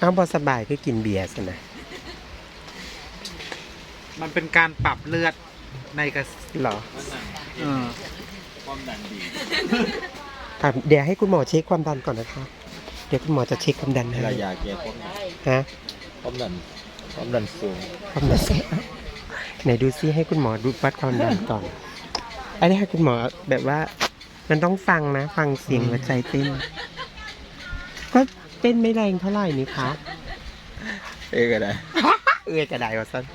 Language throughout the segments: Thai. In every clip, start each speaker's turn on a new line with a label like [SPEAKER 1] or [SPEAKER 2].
[SPEAKER 1] อ้าวพอสบายก็กินเบียร์สินะ
[SPEAKER 2] มันเป็นการปรับเลือดในกระ
[SPEAKER 1] หรอ
[SPEAKER 3] ความดันดี
[SPEAKER 1] เดี๋ยวให้คุณหมอเช็คความดันก่อนนะคะเดี๋ยวคุณหมอจะเช็คความดันให้
[SPEAKER 3] เวลายาแก้ความดัน
[SPEAKER 1] ฮะ
[SPEAKER 3] ความดันสูง
[SPEAKER 1] ความดันไหนดูซิให้คุณหมอดูวัดความดันก่อนอันนี้ให้คุณหมอแบบว่า มันต้องฟังนะ ฟังเสียงหัวใจเต้นก็เต้นไม่แรงเท่าไหร่นี่คะ
[SPEAKER 3] ก็ได้
[SPEAKER 1] กระไดวะสั้น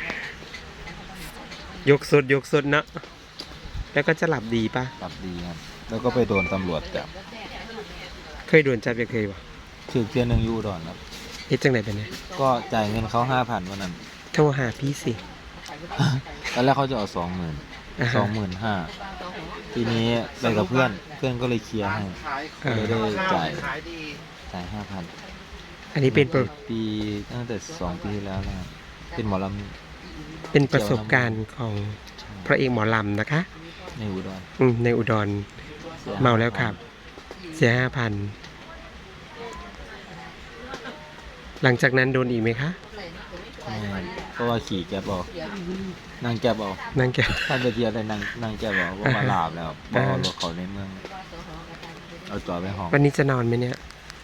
[SPEAKER 1] ยกสดเนาะแล้วก็จะหลับดีปะ
[SPEAKER 3] ปรับดีครับแล้วก็ไปโดนตำรวจจับ
[SPEAKER 1] เคยโดนจับยังเคยวะ
[SPEAKER 3] ถือเพียนหนึ่งยูดอนครับ
[SPEAKER 1] เฮ็ดจังไหนเป็นไง
[SPEAKER 3] ก็จ่ายเงินเขา5,000วันนั้น
[SPEAKER 1] โทรหาพี่สิ
[SPEAKER 3] ตอนแรกเขาจะเอา
[SPEAKER 1] อ่าฮะ
[SPEAKER 3] 25,000ทีนี้ไปกับเพื่อนก็เลยเคลียร์ให้ก็เลยได้จ่าย 5,000
[SPEAKER 1] อันนี้เป็น
[SPEAKER 3] ปีตั้งแต่2 ปีที่แล้วนะครับเป็นหมอล
[SPEAKER 1] เป็นประสบการณ์ของพระเอกหมอลำนะคะ
[SPEAKER 3] ำในอุดร
[SPEAKER 1] ในอุดรเมาแล้วครับ เสีย 5,000 หลังจากนั้นโดนอีกไหมคะ
[SPEAKER 3] เพราะว่าขี่แก๊บเอานั่งแก๊บเอา
[SPEAKER 1] นั่งแก
[SPEAKER 3] ท่านไปเที่ยวแต่นั่งแก๊บเอาเพราะว่าลาบแล้วเพราะว่ารถเขาในเมืองเอาจอดไปห้อง
[SPEAKER 1] วันนี้จะนอนไหมเนี่ย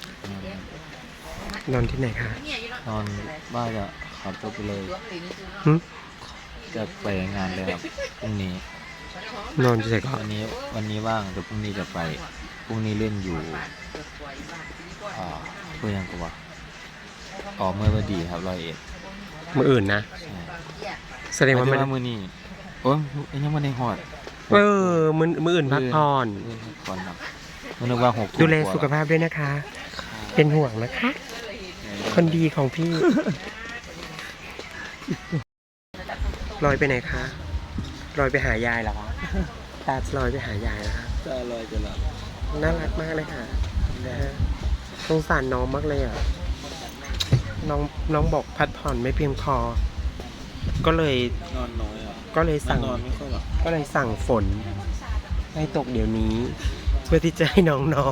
[SPEAKER 1] นอนที่ไหนคะ
[SPEAKER 3] นอนบ้านจะขับรถไปเลย
[SPEAKER 1] หึ
[SPEAKER 3] จะไปงานเลยครับพรุ่งนี้
[SPEAKER 1] นอนที่ไหนก่อน
[SPEAKER 3] วันนี้ว่างแต่พรุ่งนี้จะไปพรุ่งนี้เล่นอยู่เพื่อยังกว่าเมื่อวันดีครับ101
[SPEAKER 1] มืออื่นนะ
[SPEAKER 3] ใช่
[SPEAKER 1] แสดงว่า
[SPEAKER 3] ไม่
[SPEAKER 1] มัน
[SPEAKER 3] ได้มือนี้โอ้ยยังไม่ได้หอด
[SPEAKER 1] มืออื่นพักผ่อน
[SPEAKER 3] ก่อนครับมันนึกว่า6
[SPEAKER 1] ดูแลสุขภาพด้วยนะคะ เป็นห่วงนะคะ คนดีของพี่ ลอยไปไหนคะลอยไปหายายเหรอคะตาลอยไปหายายนะคะ
[SPEAKER 3] จะลอยจะหลับ
[SPEAKER 1] น่ารักมากเลยค่ะนะฮะสงสารน้องมากเลยอ่ะน้องบอกพักผ่อนไม่เพียงพอ ก็เลย
[SPEAKER 3] นอนน้อยอ่ะ
[SPEAKER 1] ก็เลยสั่ง
[SPEAKER 3] นอนไม่ค่อยหลับ
[SPEAKER 1] ก็เลยสั่งฝนให้ตกเดี๋ยวนี้ เพื่อที่จะให้น้องนอน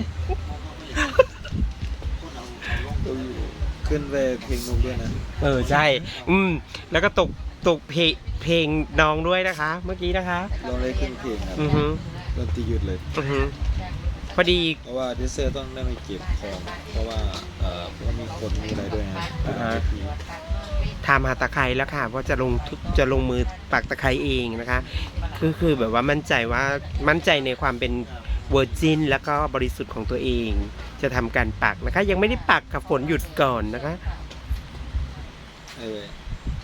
[SPEAKER 3] ขึ้นไปเพลงนกด้วยนะ
[SPEAKER 1] ใช่ แล้วก็ตกเพลงน้องด้วยนะคะ เมื่อกี้นะคะ
[SPEAKER 3] ลองได้ขึ้นเพลงครับ
[SPEAKER 1] อือฮึ
[SPEAKER 3] ดนตรีหยุดเลย
[SPEAKER 1] อือฮึพอดี
[SPEAKER 3] เพราะว่าดิเซอร์ต้องได้มาเก็บของเพราะว่ามีคนมีอะไรด้วยนะ
[SPEAKER 1] ทำหาตะไคร้แล้วค่ะว่าจะลงมือปักตะไคร้เองนะคะ คือแบบว่ามั่นใจในความเป็นเวอร์จินแล้วก็บริสุทธิ์ของตัวเอง จะทำการปักนะคะ ยังไม่ได้ปักกับฝนหยุดก่อนนะคะ